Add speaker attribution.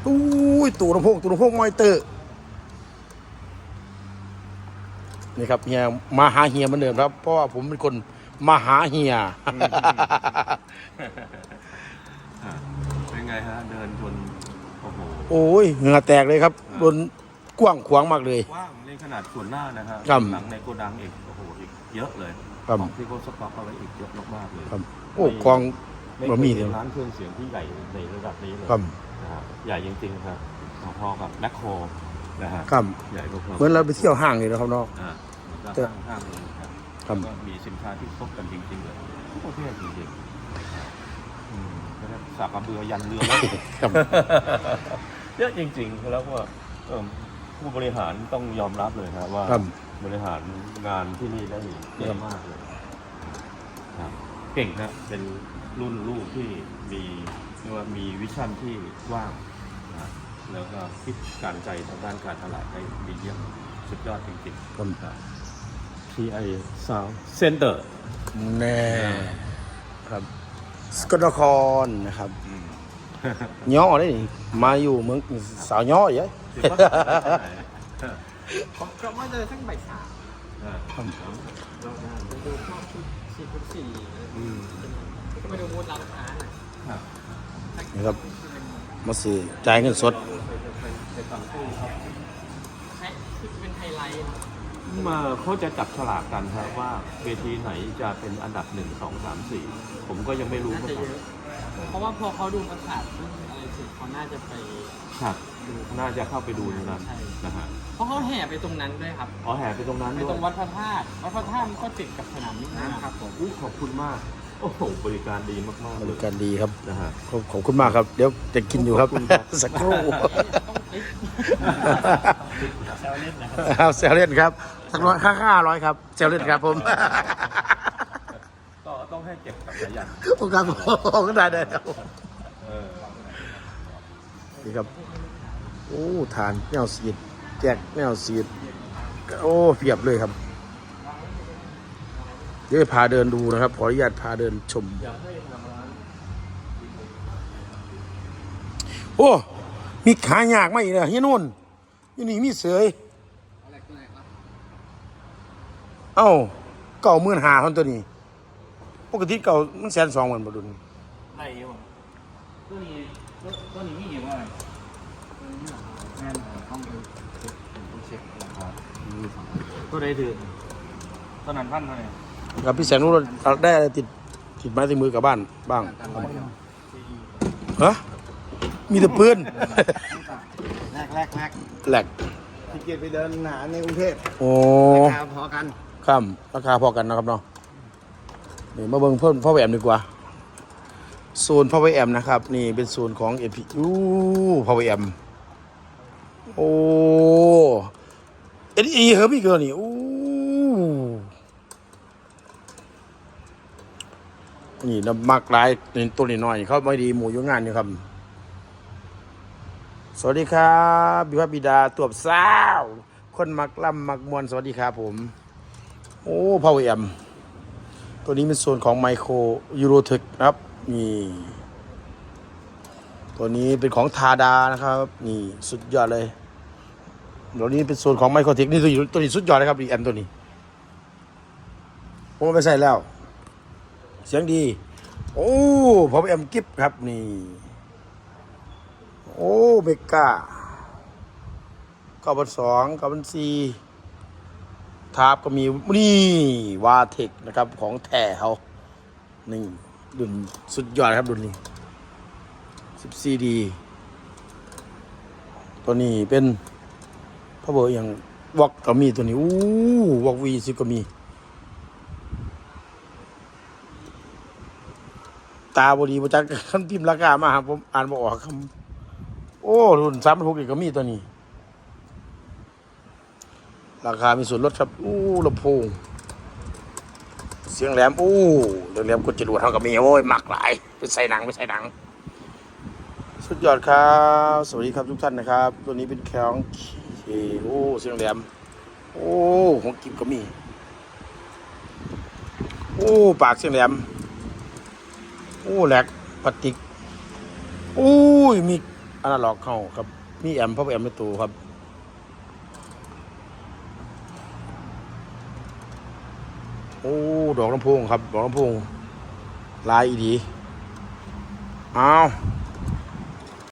Speaker 1: ตู้ตู้ลำโพงมอนิเตอร์นี่ครับเฮียมาหาเฮียเหมือนเดิมครับเพราะว่าผมเป็นคนมาหาเฮีย
Speaker 2: เป็นไงฮะเดินชนโอ้โห
Speaker 1: โอ้ยเหงื่อแตกเลยครับโดนกว้างขวางมากเลย
Speaker 2: กว้างในขนาดส่วนหน้านะฮะ
Speaker 1: ครับ
Speaker 2: หลังในโกดังอีกโอ้โหอีกเยอะเลย
Speaker 1: ครับ
Speaker 2: ของที่เขาสต็อกเอาไว้อีกเยอะมากๆเลย
Speaker 1: ครับโอ้กอง
Speaker 2: ไม่
Speaker 1: บะ
Speaker 2: เค
Speaker 1: หมี่
Speaker 2: ย
Speaker 1: เล
Speaker 2: เห็
Speaker 1: ย
Speaker 2: นร้านเครื่องเสียงที่ใหญ่ในระดับนี้เลย
Speaker 1: ครับ
Speaker 2: นะครับใหญ่จริงๆครับพอๆกับแมคโครนะฮะ
Speaker 1: ครับ
Speaker 2: ใหญ่พอๆ
Speaker 1: เหมือนเราไปเที่ยวห้างเลยนะครับเนาะ
Speaker 2: แล้วก็ห้างเลยครับ
Speaker 1: ครับ
Speaker 2: ก็มีสินค้าที่ครบกันจริงๆเลยทุกประเภทจริงๆสากกระเบือยันเรือแล้ว
Speaker 1: ครับ
Speaker 2: เยอะจริงๆแล้วก็ผู้บริหารต้องยอมรับเลยครับว่า
Speaker 1: ครับ
Speaker 2: บริหารงานที่นี่ได้เยอะมากเลยครับเก่งนะเป็นรุ่นลูกที่มีเรียกว่ามีวิชั่นที่กว้างนะแล้วก็คิดการใจทางด้านการตลาดได้ดีเยี่ยมสุดยอดจริงๆ
Speaker 1: ครับ
Speaker 2: TI Sound Center
Speaker 1: แน่ครับสกลนครนะครับย่อได้นี่มาอยู่เมืองสาวย่อเยอะ
Speaker 3: ผมก็มาเจอทั้งบ่ายสาม
Speaker 1: ครับ
Speaker 3: ไปดูพวกชุด4x4ก็ไปดูบูธร้านค้าหน่อย
Speaker 1: นี่ครับมาสิจ่ายเงินสด
Speaker 3: ใช่คือเป็นไฮไลท์
Speaker 2: มาเขาจะจับฉลากกันครับว่าเวทีไหนจะเป็นอันดับ 1 2 3 4 ผมก็ยังไม่รู้
Speaker 3: น่าจะเยอะ เพราะว่าพอเขาดูประกาศอะไรเสร็จเขาน่าจะไป
Speaker 2: ครับน่าจะเข้าไปดูตรงนั้น
Speaker 3: ใช่
Speaker 2: นะฮะ
Speaker 3: เพราะเขาแห่ไปตรงนั้นด้วยครับ
Speaker 2: อ๋อแห่ไปตรงนั้น
Speaker 3: ไป
Speaker 2: ด้ว
Speaker 3: ตร
Speaker 2: ย
Speaker 3: งวัดพระธาตุวัดพระธาตุมันก็ติดกับสนามบินนะครับผม
Speaker 2: ขอบคุณมาก โอ้โหบริการดีมากๆ
Speaker 1: บ
Speaker 2: เล
Speaker 1: ริ
Speaker 2: ย
Speaker 1: การดีครับ
Speaker 2: นะฮะ
Speaker 1: ขอบคุณมากครับ เดี๋ยวจะกินอยู่ครับ
Speaker 2: ขอบคุณครับ
Speaker 1: สักครู่
Speaker 3: ต้องแซวเล่นนะครับ
Speaker 1: ครับเซลเล่นครับสักร้อย500ครับเซลเล่นครับผม
Speaker 2: ก็ต้องให้เก็บกับสายัน
Speaker 1: โอ้ครับผมก็ได้ครับ
Speaker 2: เออ
Speaker 1: นี่ครับโอ้ทานแนวสีดแจกแนวสีดโอ้เพียบเลยครับเดี๋ยวพาเดินดูนะครับขออนุญาตพาเดินชมโอ้มีขายากไหมเนี่ยเฮียนุ่นอยู่นี่มีเสยเอ้า95,000คนตัวนี้ปกติเก่ามัน120,000บ่ดุน
Speaker 3: ไรอยู่ตัวนี้มีอยู่ว่าแม่นต้องดูเช็คราคา
Speaker 2: ก็ได้ถือ
Speaker 3: ตอนนั้นพันเท่าไหร่
Speaker 1: กับพี่แสงนุ่นได้อะไรติดไม้ติดมือกลับบ้านบ้างฮะมีแต่ปืน
Speaker 3: แรก
Speaker 1: แหลก
Speaker 3: ที่เกียรไปเดินหาในกรุงเทพ
Speaker 1: โอ้
Speaker 3: ราคาพอกัน
Speaker 1: ข้ามราคาพอกันนะครับเนาะนี่มาเบิ่งเพิ่มพ่อแหวมดีกว่าโซนพ่อแหวมนะครับ นี่เป็นโซนของเอพีพ่อแหวมโอ้เอ็ดอีเฮิร์บอีกแล้วนี่อู้นี่น้ำมักหลายนี่ตัวนี้น้อยเขาไม่ดีหมูอยู่งานอยู่ครับสวัสดีครับบิวบิดาตัวสาวคนมักล่ำมักมวนสวัสดีครับผมโอ้พ่อแหวมตัวนี้เป็นโซนของไมโครยูโรเทคนะครับนี่ตัวนี้เป็นของทาดานะครับนี่สุดยอดเลยตัวนี้เป็นโซนของไมโครเทคนี่ตัวนี้สุดยอดเลยครับดีแอมตัวนี้ผมเอาไปใส่แล้ว เสียงดีโอ้พอแอมกิฟครับนี่โอ้เบก้า9,200 9,400ทาบก็มีนี่วาเทคนะครับของแท้เขานี่รุ่นสุดยอดครับรุ่นนี้ 14D ตัวนี้เป็นพาวเวอร์อย่างวอกก็มีตัวนี้อู้วอกV10ก็มีตาบดีประจักษ์คันพิมพ์ราคามาครับผมอ่านบ่ออกคำโอ้รุ่น3,600อีกก็มีตัวนี้ราคามีส่วนลดครับอู้ลำโพงเสียงแหลมอู้เรื่องแหลมกดจรวดเท่ากับมีโอ้ยมักหลายไปใส่หนังสุดยอดครับสวัสดีครับทุกท่านนะครับตัวนี้เป็นแข็งโอ้เสียงแหลมโอ้ของกิบก็มีโอ้ปากเสียงแหลมโอ้แหลกพลาสติกโอ้ยมีอนาล็อกเข้าครับมีแอมพ่อแอมในตัวครับโอ้ดอกลำโพงครับดอกลำโพงลายอีดีอ้าว